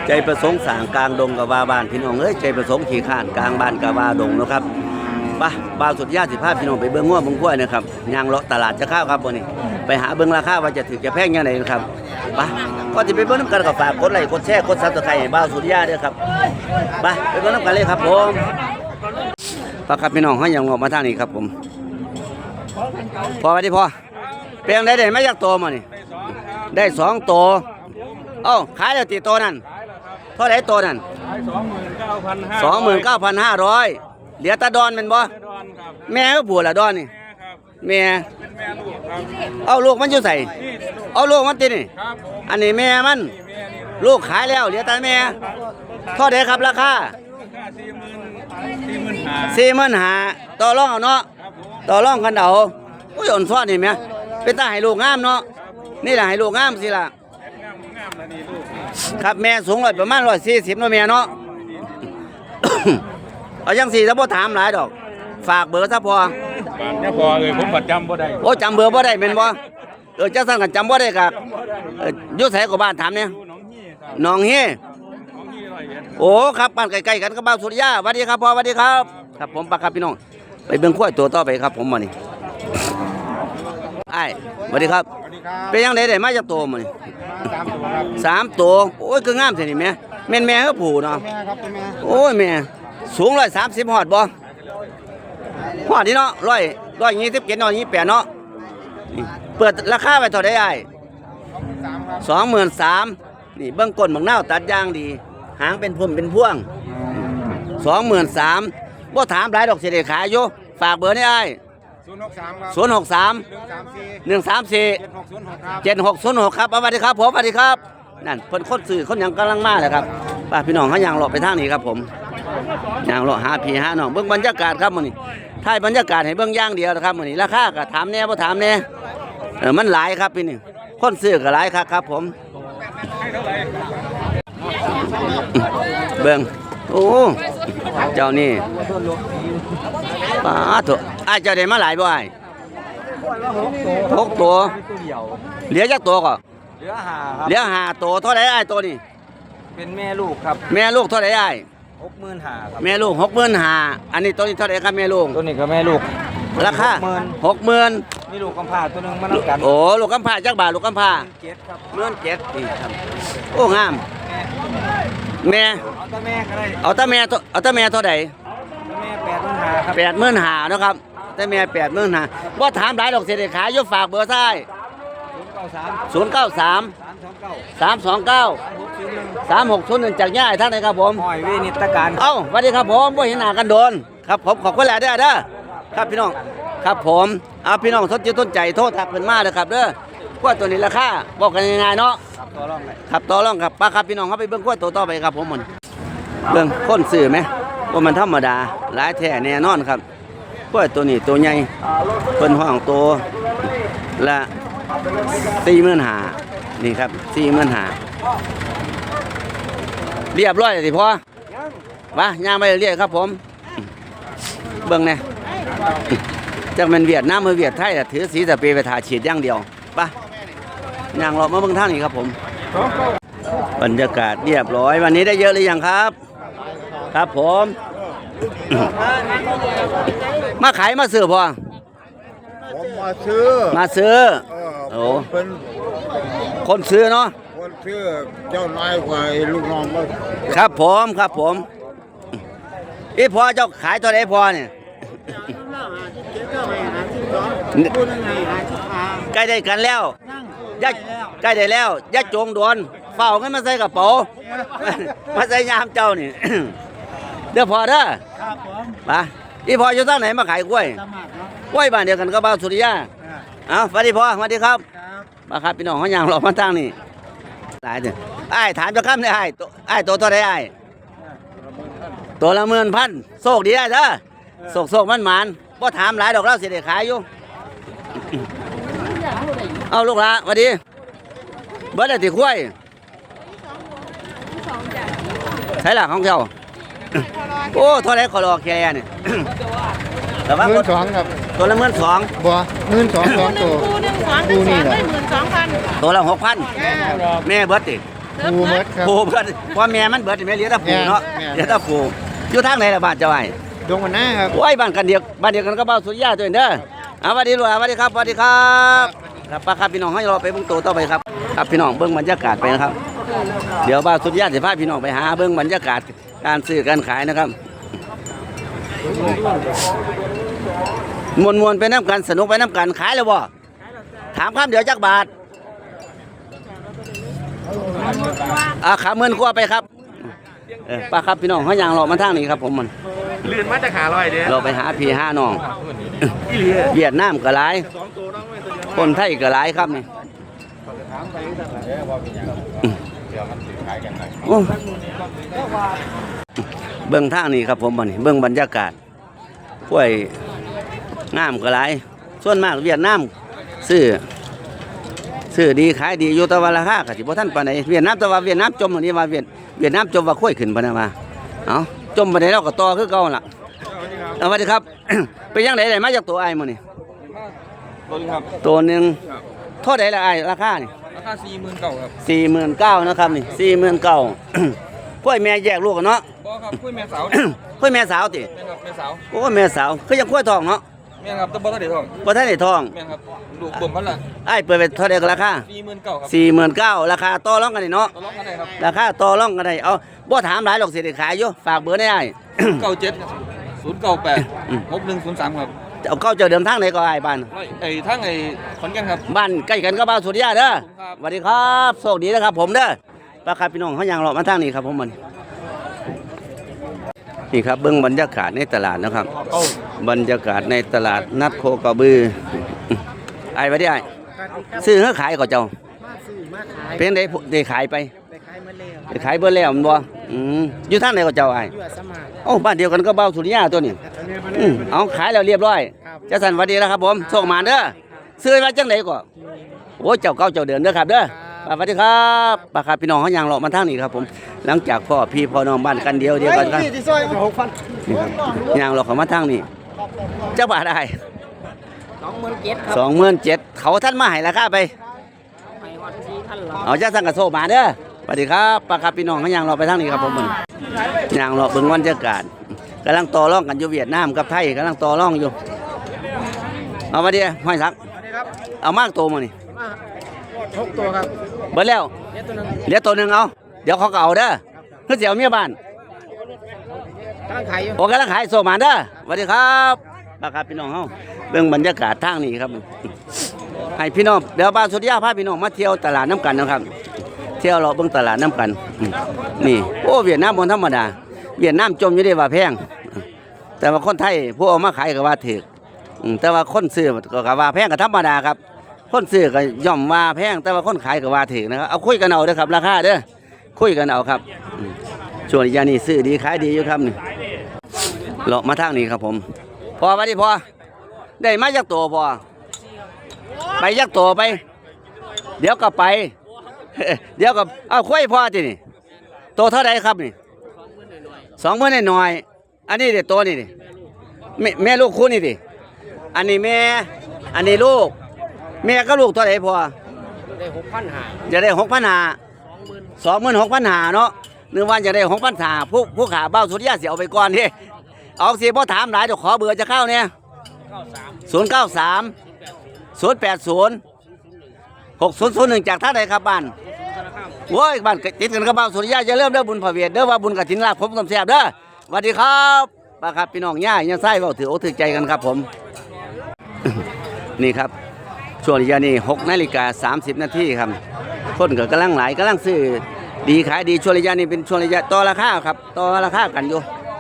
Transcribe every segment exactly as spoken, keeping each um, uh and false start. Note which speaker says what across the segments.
Speaker 1: ใจประสงค์สางกลางดงกับว่าบ้านพี่น้องเอ้ยใจประสงค์ขี่ข้านกลางบ้านกับว่าดงนะครับป่ะบ่าวสุดยาสิภาพพี่น้องไปเบิ้งง้วเบิ้งกล้วยนะครับยางเลาะตลาดจะข้าวครับวันนี้ไปหาเบิ้งราคาว่าจะถือจะแพงยังไงนะครับป่ะก็จะไปเบิ้งน้ำกันกับฝากกดไลค์กดแชร์กดซับสไครต์ให้บ่าวสุดยาด้วยครับป่ะไปเบิ้งน้ำกันเลยครับผมป่ะครับพี่น้องเขายังออกมาทางนี้ครับผมพอไปดิพอเปลี่ยนได้ได้ไม่ยากโตมานี่ได้สองโตเอ้าขายแล้วตีโตนั่นเท่าไหร่โตนั่น
Speaker 2: สองหมื่นเก้าพันห้า
Speaker 1: สองหมื่นเก้าพันห้าร้อยเหลือตาดอนเป็นบ่แม่ก็ผัวละดอนนี่แม่เอาลูกมันอยู่ใส่เอาลูกมันตินี่อันนี้แม่มันลูกขายแล้วเหลือตาแม่เท่าไหร่ครับราคาสี่หมื่นห้าต่อรองเอาเนาะต่อรองกันเอาโอ้ยอ่อนซ้อนนี่แม่เป็นตาให้ลูกงามเนาะนี่แหละให้ลูกงามสิล่ะครับแม่สูงร้อยประมาณร้อยสี่สิบเนาะแม่เนาะ เอายังสี่ถ้าบ่ถามหลายดอกฝากเบอร์ซะพอ
Speaker 2: เนี่ยพอเลยผมประจำบ่ได้
Speaker 1: โอ้จำเบอร์บ่ได้เป็นบ่เออจะสั่งกันจำบ่ได้ครับอยู่ไสก็บ้านถามเนี่ยหนองเฮโอ้ครับบ้านใกล้ๆกันกับบ้านสุริยาสวัสดีครับพ่อสวัสดีครับครับผมปากครับพี่น้องไปเบิ่งข้อยตัวต่อไปครับผมมานี่ไอ้สวัสดีครับเป็นยังไงได้มาจากตัวมานี่สามตัวโอ้ยคืองามสินี่แม่แม่นแม่เขาผู้เนาะโอ้ยแม่สูงร้อยสามสิบหอดบ่หอดนี่เนาะร้อยร้อยยี่สิบเจ็ดเนาะยี่แปดเนาะเปิดราคาไปเท่าไดไอ้สองหมื่นสามนี่เบื้องก้นบางเน่าตัดย่างดีหางเป็นพุ่มเป็นพ่วงสองหมื่นสามบ่ถามหลายดอกเสียเดขายอยู่ฝากเบอร์นี่ไอ้ศูนย์หกสามศูนย์หกสามหนึ่งสามสี่เจ็ดหกศูนย์หกครับสวัสดีครับผมสวัสดีครับนั่นเพิ่นคนสื่อคนยังกำลังมาเลยครับป้าพี่น้องเขายางหลบไปทางนี้ครับผมยางหลบหาพี่หาน้องเบื้องบรรยากาศครับมื้อนี้ถ่ายบรรยากาศให้เบื้องย่างเดียวนะครับมื้อนี้ราคาก็ถามแน่บ่ถามแน่เออมันหลายครับพี่นี่คนซื้อก็หลายครับครับผมเบื้องโอ้เจ้านี่ป้าตัวไอ้เจ้าได้มาหลายบ่ไอ้หกตัวเหลือจักตัวก็
Speaker 2: เหลือห้าครับ
Speaker 1: เหลือห้าตัวเท่าไหร่ไอ้ตัวนี้
Speaker 2: เป็นแม่ลูกครับ
Speaker 1: แม่ลูกเท่าไหร่ไอ้
Speaker 2: หกหมื่นห้าครับ
Speaker 1: แม่ลูกหกหมื่นห้าอันนี้ตัวนี้เท่าไหร่ครับแม่ลูก
Speaker 2: ตัวนี้ก็แม่ลูก
Speaker 1: ราคาหกหมื่น
Speaker 2: มีลูกกำพร้าตัวนึงมาแล้วกัน
Speaker 1: โอ้ลูกกำพร้าจักบาทลูกกำพร้า
Speaker 2: เจ็ดครับ
Speaker 1: เมื่อนเจ็ดนี่ครับโอ้งามแม่
Speaker 2: เอาตาแม่ก็ได้
Speaker 1: เอาตาแม่เอาตาแม่เท่าไหร่
Speaker 2: แม่แปดหมื่นห้าครับ
Speaker 1: แปดหมื่นห้านะครับตาแม่แปดหมื่นห้าว่าถามหลายดอกเสียขายยกฝากเบอร์ซ้ายศูนย์เก้าสามสามสองเก้าสามหกศูนย์หนึ่งจากย่าท่านไหนครับผม
Speaker 2: หอยเวนิตการ
Speaker 1: เอ้าสวัสดีครับผมว่าเห็นหน้ากันโดนครับผมขอบคุณแหละเด้อเด้อครับพี่น้องครับผมเอาพี่น้องสนใจต้นใจโทษทักเพิ่นมาเลยครับเด้อกล้วยตัวนี้ราคาบอกกันง่ายๆเนาะ
Speaker 2: ครับต่อรองเลย
Speaker 1: ครับต่อรองครับป้าครับพี่น้องเขาไปเบิ่งกล้วยตัวต่อไปครับผมมันเบิ่งคนซื้อไหมว่ามันธรรมดาหลายแท้แน่นอนครับกล้วยตัวนี้ตัวใหญ่เพิ่นห้องตัวละสี่หมื่นห้านี่ครับสี่หมื่นห้าเรียบร้อยเลยสิพ่อมาย่างไปเรียกครับผมเบิ่งเนี่ยจากมันเวียดนามมือเวียดไทยแต่ถือสีสเปรย์ไปทาฉีดอย่างเดียวปะย่างเรามาเบิ่งท่านี้ครับผมบรรยากาศเรียบร้อยวันนี้ได้เยอะหรือยังครับครับผมมาขายมาซื้อพ่อ
Speaker 3: ผมมาซื้อ
Speaker 1: มาซื้อโอ้
Speaker 3: เป็น
Speaker 1: คนซื้อเนาะ
Speaker 3: คนซื้อเจ้านายกว่าลูกน้อง
Speaker 1: ครับผมครับผมอีพอเจ้าขายตัวไหนพอเนี่ยใกล้ได้กันแล้วยัดใกล้ได้แล้วยัดจงโดนเฝ้าเงินมาใส่กระเป๋ามาใส่ยามเจ้านี่เดี๋ยวพอเด้อครับผมมาอีพออยู่ทางไหนมาขายกล้วยกล้วยบ้านเดียวกันกับบ้านสุริยาเอาสวัสดีพ่อสวัสดีครับมาครับพี่น้องเขาอย่างหลอกมาตั้งนี่หลายเนี่ยไอ้ถามจะข้ามได้ไอ้ตัวไอ้ตัวตัวใดไอ้ตัวละหมื่นพันโชคดีไอ้เด้อโชคโชคมันหมานพ่ถามหลายดอกแล้วเสียเด็กขายอยู่เอาลูกละสวัสดีเบิร์ดติดคุ้ยใช่หลักของเจ้าโอ้เท่าไรขอรอแค่เนี่ย
Speaker 3: แต่ว่าหมื่นสองครับ
Speaker 1: ตัวละหมื่นสอง
Speaker 3: บัวหมื่นสองสองตัว
Speaker 4: คู่หนึ่งสองหนึ่งสองได้หมื่นสองพัน
Speaker 1: ตัวละหกพันแม่เบิร์ดติ
Speaker 3: ผูเมดครับ
Speaker 1: ผูเบิดว่าแม่มันเบิดแม่เหลี้ยแต่ผูเนาะ
Speaker 3: แม่น
Speaker 1: เหลี้ยแต่ผูอยู่ทางไหนล่ะบ้านเจ้าไอ้
Speaker 3: ดวงวันหน้าครับ
Speaker 1: โอ้ยบ้านกันเดียวบ้านเดียวกันก็บ้านสุริยาตัวเด้อเอาสวัสดีลูกสวัสดีครับสวัสดีครับครับป้าครับพี่น้องให้เราไปเบิ่งตัวต่อไปครับครับพี่น้องเบิ่งบรรยากาศไปนะครับ เดี๋ยวบ้านสุริยาจะพาพี่น้องไปหาเบิ่งบรรยากาศการซื้อการขายนะครับมวนมวนๆไปน้ำกันสนุกไปน้ำกันขายแล้วบ่ถามคำเดี๋ยวจักบาทอ่าขาเงินกลัวไปครับเออป้าครับพี่น้องเขายางรอมาทางนี้ครับผมมัน
Speaker 2: เลื่อนมาจากขาลอยเด้อ
Speaker 1: เราไปหาพี่ห้าน้องเวียดนามก็หลายคนไทยก็หลายครับนี่โอ้เบื้องทางนี้ครับผมมันเบื้องบรรยากาศห้วยงามก็หลายส่วนมากเวียดนามซื้อซื้อดีขายดีอยู่แตะวันราคาก็สิบ่ทันปานใดเวียดนามแต่ว่าเวียดนามจมอันนี้ว่าเวียดเวียดนามจมว่าค่อยขึ้นปานนั้นว่าเอ้าจมปานใดเราก็ต่อคือเก่าล่ะสวัสดีครับ ไปยังไดได้มาจากตัวอ้ายมื้อนี่
Speaker 2: ตัวนี้ครับ
Speaker 1: ตัวหนึงเท่าใดล่ะอ้ายราคานี่
Speaker 2: ราคาสี่หมื่นเก้าครับ
Speaker 1: สี่หมื่นเก้าพัน นะครับนี่สี่หมื่นเก้าพัน กล้วยแม่แยกลูกกันเนาะ
Speaker 2: บ่ครับคุยแม่สาว
Speaker 1: กล้วยแม่สาวติ
Speaker 2: แม่ครับแม่สาว
Speaker 1: โอ้แม่สาวคือยังกล้วยทองเนาะ
Speaker 2: แม่ครับตะบ่ทันได้ทอง
Speaker 1: บ่ทันได้ทอง
Speaker 2: แม่ครับลูกบ่มพันละ
Speaker 1: อ้ายเปิดไปเท่าใดก็ราคา
Speaker 2: สี่หมื่นเก้าครับ
Speaker 1: สี่หมื่นเก้าพัน ราคาต่อรองกันนี่เนาะ
Speaker 2: ตลอดกันได้ครับ
Speaker 1: ราคาต่อรองกันได้เอาบ่ถามหลายหรอกสิได้ขายอยู่ฝากเบอร์ได้อ้าย
Speaker 2: เก้าเจ็ดศูนย์เก้าแปดหกหนึ่งศูนย์สามครับ
Speaker 1: เอาเข้าเจอเดิมทางไหนก็อ้ายบ้าน
Speaker 2: ไอ้ทั้งไอ้ขอนแก่นครับ
Speaker 1: บ้านใกล้กันก็บ้านสุริยาเด้อ
Speaker 2: ครับ
Speaker 1: สวัสดีครับโชคดีนะครับผมเด้อป้าครับพี่น้องเขายางรอมาทางนี้ครับผมมันนี่ครับเบื้องบรรยากาศในตลาดนะครับ บรรยากาศในตลาดนัดโคกระบือไอ้ไปได้ไอ้ซื้อเฮือขายก็เจ้าเป็นได้ได้ขายไปได้ขายเบอร์แล้วมันบ่อืมอยู่ทางไหนก็เจ้าไอ้โอ้บ้านเดียวกันก็เบ้าสุริยาตัวนี้อืมเอาขายแล้วเรียบร้อยเจ้าสันสวัสดีแล้วครับผมโชคมาเด้อซื้อมาจังไหนก็โอ้เจ้าเก่าเจ้าเดินเด้อครับเด้อสวัสดีครับป้าครับพี่น้องเขายางรอมาทางนี้ครับผมหลังจากพ่อพี่พ่อน้องบ้านกันเดียวเดียวกันครับ
Speaker 3: ที่ซอยหกพัน
Speaker 1: นี่ครับยางรอเขามาทางนี้เจ้าบาทได้
Speaker 2: สองหมื่นเจ็ด
Speaker 1: สองหมื่นเจ็ดเขาท่านมาให้ราคาไป
Speaker 2: ไปฮอดสี่พันละ
Speaker 1: เอาจ้าสั่งกระโซมาเด้อสวัสดีครับป้าครับพี่น้องเขายางรอไปทางนี้ครับผมมันยางรอเบิ่งบรรยากาศกำลังต่อรองกันอยู่เวียดนามกับไทยกำลังต่อรองอยู่เอามาดิห้อยสักเอามากโตมานี่
Speaker 2: หกตัวครับ
Speaker 1: เบิดแล้ว
Speaker 2: เนี้ยตัวนึง
Speaker 1: เหลือตัวหนึ่งเอาเดี๋ยวเขาก็เอาเด้อเพื่อเสียวเมียบ้าน
Speaker 2: กำลังขายอยู่
Speaker 1: โอ้กำลังขายโซมาเด้อสวัสดีครับป้าครับพี่น้องเฮาเบิ่งบรรยากาศทางนี้ครับให้พี่น้องเดี๋ยวบ้านสุริยาพาพี่น้องมาเที่ยวตลาดน้ำกันนะครับ เที่ยวเราเบิ่งตลาดน้ำกันอืมนี่โอ้เวียดนามบนธรรมดาเวียดนามจมอยู่ได้ว่าแพงแต่ว่าคนไทยผู้เอามาขายก็ว่าถูกอืมแต่ว่าคนซื้อก็ว่าแพงก็ธรรมดาครับคนซื้อก็ย่อมว่าแพงแต่ว่าคนขายก็ว่าถูกนะครับเอาคุยกันเอาเด้อครับราคาเด้อคุยกันเอาครับอืมช่วงนี้ยานี่ซื้อดีขายดีอยู่ครับนี่เลาะมาทางนี้ครับผมพอไปดิพอได้มาจากตัวพอไปยักตัวไป เดี๋ยวก็ไป เดี๋ยวก็เอาคุยพอทีนี่โตเท่าไรครับนี่สองหมื่นหน่อยๆอันนี้เด็ดโตนี่ดิแม่แม่ลูกคู่นี่ดิอันนี้แม่อันนี้ลูก แม่ก็ลูกเท่าไรพอ
Speaker 2: ได้หกพันหา
Speaker 1: จะได้หกพันหาสองหมื่นหกพันหาเนาะหนึ่งวันจะได้หกพันหาผู้ผู้ขาเบ้าสุริยะเสียเอาไปก่อนที่เอาสิพ่อถามหลายเดี๋ยวขอเบอร์จะเข้าเนี่ยศูนย์เก้าสามศูนย์แปดศูนย์หกศูนย์ศูนย์หนึ่งจากท่าใดครับบ้านโว้ยบ้านติดกันกับเบ้าสุริยะจะเริ่มเด้อบุญพระเวทเด้อว่าบุญกฐินลาภผมต้มแซ่บเด้อสวัสดีครับป้าครับพี่น้องย่ายังไส้เบาถือโอ้ถือใจกันครับผม นี่ครับช่วงระยะนี้หกนาฬิกาสามสิบนาทีครับคนก็กำลังหลายกำลังซื้อดีขายดีช่วงระยะนี้เป็นช่วงระยะต่อราคาครับต่อราคากันอยู่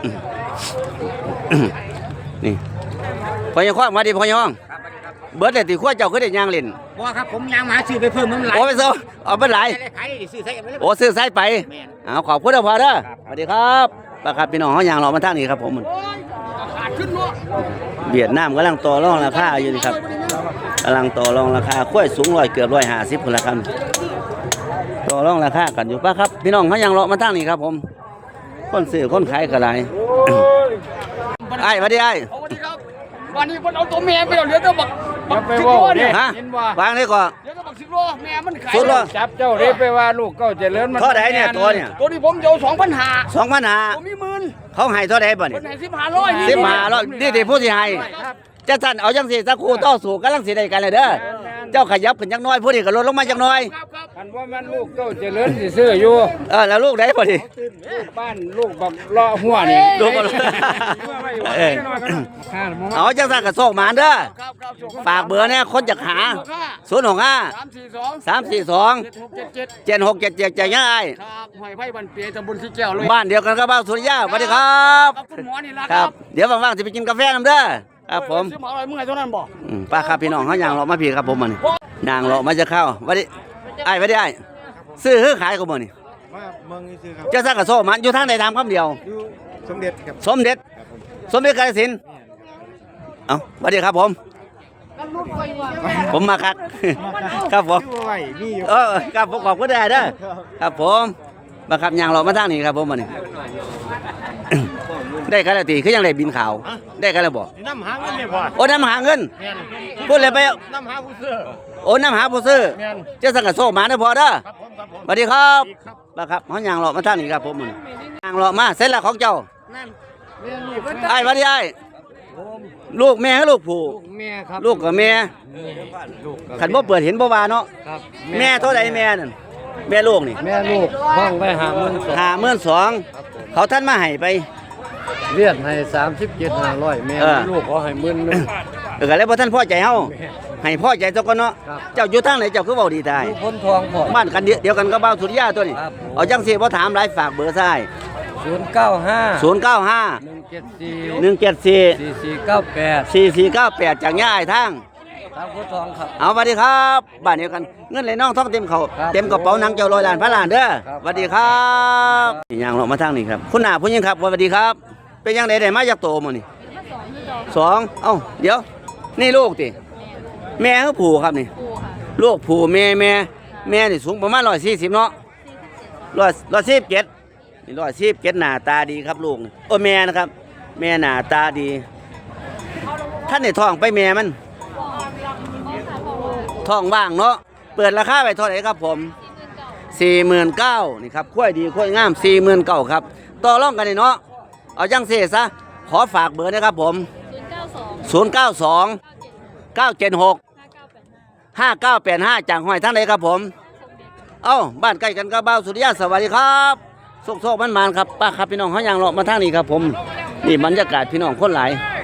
Speaker 1: นี่พอยห้องมาดิพอยห้องเบิร์ดแต่ตีขั้วเจ้าก็ได้ยางเล่น
Speaker 2: บ่ครับผมยางหมาซื้อไปเพิ่มมันหลาย
Speaker 1: โอ้ไปเซอเอาไปหลาย
Speaker 2: ขายได้ซื้อใส่กันไปเลย
Speaker 1: โอ้ซื้อสายไป
Speaker 2: แม่น
Speaker 1: เอาขอบคุณนะพอเด้อสวัสดีครับป้าครับพี่น้องเขายางเรามาทางนี้ครับผมมัน
Speaker 2: ขาดขึ้นเนาะ
Speaker 1: เวียดนามกำลังต่อรองราคาอยู่นี่ครับกำลังต่อรองราคาขั้วสูงร้อยเกือบร้อยห้าสิบคนละครับต่อรองราคากันอยู่ป้าครับพี่น้องเขายางเรามาทางนี้ครับผมคนซื้อคนขายก็หลาย ไอ้สวัสดีไอ้
Speaker 2: สวัสดีครับวันนี้คนเอาตัวแม่ไปเอาเหลือแต่บัก
Speaker 4: อย่าไปว่าเด้
Speaker 1: ฮะ
Speaker 4: ยินว่าว
Speaker 1: างได้ก่อน
Speaker 4: เดี๋ยวก็บักสิบโลแม่มันขาย
Speaker 1: สุดโล
Speaker 4: จับเจ้าเด้ไปว่าลูกเก้าเจริญมัน
Speaker 1: เท่าไหร่เนี่ยตัวเนี่ย
Speaker 4: ตัวนี้ผมจะเอาสองพันห้า
Speaker 1: สองพันหา
Speaker 4: ผมมีหมื่น
Speaker 1: เขาให้เท่าไหร่บ่
Speaker 4: ค
Speaker 1: นี่
Speaker 4: นไหนสิบห้าร้อย
Speaker 1: สิบห้าร้อยนี่ที่ผู้สิให้
Speaker 4: ครับ
Speaker 1: จะสั่นเอาจังสิสักครู่ต่อสู้กำลังสิได้กันเลยเด้อเจ้าขยับขึ้นจักหน้อยผู้นี้ก็ลดลงมาจักหน้อย
Speaker 4: ครับครับ
Speaker 5: อันว่ามันลูกเก้าเจริญสิซื้ออยู่
Speaker 1: เออแล้วลูกได้บ่ดิ
Speaker 5: ลูกบ้านลูกบักเลาะหัวนี่
Speaker 1: ลูกก็เออ
Speaker 5: ข้าหมอ
Speaker 1: เอาจังสั่นก็โชคหมานเด้อ
Speaker 4: ครับครับส่ง
Speaker 1: ฝากเบอร์เนี่ยคนจะหาศูนย์หกห้า
Speaker 4: สามสี่สอง
Speaker 1: สามสี่สอง
Speaker 4: เจ็ดหกเจ็ดเจ็ด
Speaker 1: เจ็ดหกเจ็ดเจ็ดง่าย
Speaker 4: ครับหอยไผ่บันเปียตำบลสีแก้วเลย
Speaker 1: บ้านเดียวกันกับบ้านสุริยาสวัสดีครับ
Speaker 4: ครับคุณหมอนี่ละ
Speaker 1: ค
Speaker 4: ค
Speaker 1: รั
Speaker 4: รั
Speaker 1: บบ เดี๋ยวว่างๆจะไปกินกาแฟน้ำเด้อครับผม
Speaker 4: ซื้อหมออะไรเมื่อไหร่เท่านั้นบอก
Speaker 1: อืมป้าครับพี่น้องเขายางเลาะมาพี่ครับผมมันยางเลาะมาจะเข้าวัดดิไอ้วัดดิไอ้ซื้อซื้อขายกับมันนี่
Speaker 3: มาเมืองนี่ซื้อครับ
Speaker 1: เจ้าสักกระโซมันอยู่ทางไหนทำคำเดียว
Speaker 3: อยู่สมเด็จครับ
Speaker 1: สมเด็จ สมเด็จกาฬสินธุ์เอ้าสวัสดีครับผม ผมมาครับ ครับผม
Speaker 3: อยู่ไว้มีอยู่
Speaker 1: เออครับผมขอบคุณได้เด้อครับผมมาครับยางเลาะมาทางนี้ครับผมมันนี่ ได้กันแล้วตีคือยังได้บินขาว ได้กันแล้วบ่
Speaker 3: น้ำหาเงินเนี่ยพ่อ
Speaker 1: โอ้น้ำหาเงินพูดเลยไป
Speaker 3: น้ำหาผู้ซื้อ
Speaker 1: โอ้น้ำหาผู้ซื้อ
Speaker 3: แม่น
Speaker 1: เจ้าสังกัดโซ่หมาได้อพอเด้อ
Speaker 3: ครับผมครับผม
Speaker 1: สวัสดีครับ
Speaker 3: ครับ
Speaker 1: มาครับเขายางเลาะมาท่างนี้ครับผมมันยางเลาะมาเสร็จแล้วของเจ้าไอ้สวัสดีไอ้ลูกแม่กับลูกผู้
Speaker 5: ลูกแม่ครับ
Speaker 1: ลูกกับแม่
Speaker 5: ลูกกับ
Speaker 1: ขันบ่เปิดเห็นบ่ว่าเนาะ
Speaker 5: ครับ
Speaker 1: แม่เท่าใดแม่นั่นแม่ลูกนี่
Speaker 5: แม่ลูกห้องไปหาเงินสด
Speaker 1: ห้าหมื่นสองเขาท่านมาให้ไป
Speaker 5: เลียดให้สามสิบเจ็ดห้าร้อยแม่
Speaker 1: เออ
Speaker 5: ลูกขอให้หมื่นหนึง
Speaker 1: เออก็เลยบ่ท่านพ่อใจเฮาให้พ่อใจเจ้าก่อนเนาะ
Speaker 5: ครับ
Speaker 1: เจ้าอยู่ทางไหนเจ้าคือเว้าดีตาย
Speaker 5: ลูกพ้นทองพอ
Speaker 1: บ้านกันเดียวเดียวกันกับบ้านสุริยาตัวนี้
Speaker 5: ครับ
Speaker 1: เอาจังสิบ่ถามหลายฝากเบอร์ซ้าย
Speaker 5: ศูนย์เก้าห้า
Speaker 1: ศูนย์เก้าห้า
Speaker 5: หนึ่งเจ็ดสี่
Speaker 1: หนึ่งเจ็ดสี่
Speaker 5: สี่สี่เก้าแปด
Speaker 1: สี่สี่เก้าแปดจากย่าไอ้ทาง
Speaker 5: ทางพ้นทองครับ
Speaker 1: เอาสวัสดีครับบ้านเดียวกันเงินไหลน้องท้องเต็มเขา
Speaker 5: ครับ
Speaker 1: เต็มกระเป๋าหนังเจ้าลอยล้านพระล้านเด้อ
Speaker 5: ครับ
Speaker 1: สวัสดีครับนี่ยางเรามาทางนี้ครับคุณหน้าผู้หญิงครับสวัสดีครับ เป็นยังไงได้มาจากโตมานี่สองเอ้าเดี๋ยว นี่ลูกติแม่คือผู้ครับนี่ลูกผู้แม่แม่แม่นี่สูงประมาณร้อยสี่สิบเนาะร้อยร้อยสิบเจ็ดนี่ร้อยสิบเจ็ดหน้าตาดีครับลูกนี่โอ้แม่นะครับ แม่หน้าตาดี ท่านในท้องไปแม่มัน ท้องว่างเนาะ เปิดราคาไปเท่าไหร่ครับผมสี่หมื่นเก้านี่ครับคุ้ยดีคุ้ยงามสี่หมื่นเก้าครับ ต่อรองกันนี่เนาะ เอาจังเสซะ ขอฝากเบอร์นะครับผมศูนย์เก้าสอง เก้าเจ็ดหก ห้าเก้าแปดห้าจากห้อยทั้งไหนครับผม เอ้า บ้านใกล้กันกับบ้าวสุริยะสวัสดีครับโซกโซกมันมันๆครับป้าครับพี่น้องเขายางเลาะมาทางนี้ครับผม นี่บรรยากาศพี่น้องคนหลาย